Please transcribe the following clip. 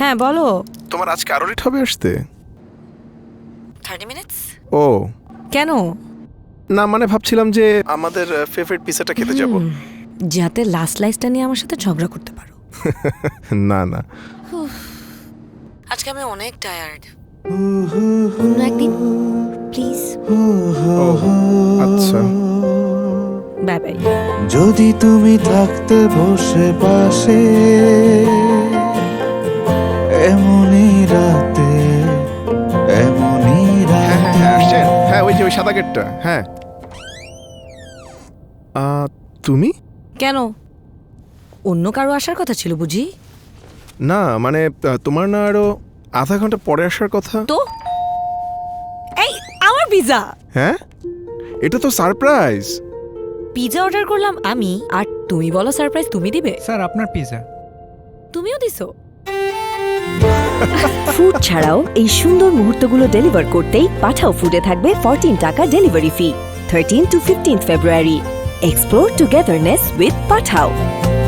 হ্যাঁ বলো। তোমার আজকে আরো লেট হবে আসতে? 30 মিনিটস? ও কেন? না, মানে ভাবছিলাম যে আমাদের ফেভারিট পিজাটা খেতে যাব। যাতে লাস্ট লাইফটা নিয়ে আমার সাথে ঝগড়া করতে পারো। না না, আজকে আমি অনেক টায়ার্ড। অন্য একদিন প্লিজ। আচ্ছা বাই বাই। যদি তুমি থাকতে বসে পাশে এমনই রাতে, এমনই হ্যাঁ হ্যাঁ হ্যাঁ আসছেন। হ্যাঁ ওই যে ওই সাদা গেটটা। হ্যাঁ তুমি? কেন? অন্য কারো আসার কথা ছিল বুঝি? না মানে তোমার না আরো আধা ঘন্টা পরে আসার কথা। তো এই আমার পিজা। হ্যাঁ এটা তো সারপ্রাইজ। পিজা অর্ডার করলাম আমি, আর তুমি বলো সারপ্রাইজ তুমি দিবে? স্যার আপনার পিজা। তুমিও দিছো? ফুড ছাড়াও এই সুন্দর মুহূর্তগুলো ডেলিভার করতেই পাঠাও ফুডে থাকবে 14 টাকা delivery fee 13 to 15 February. Explore togetherness with Pathao.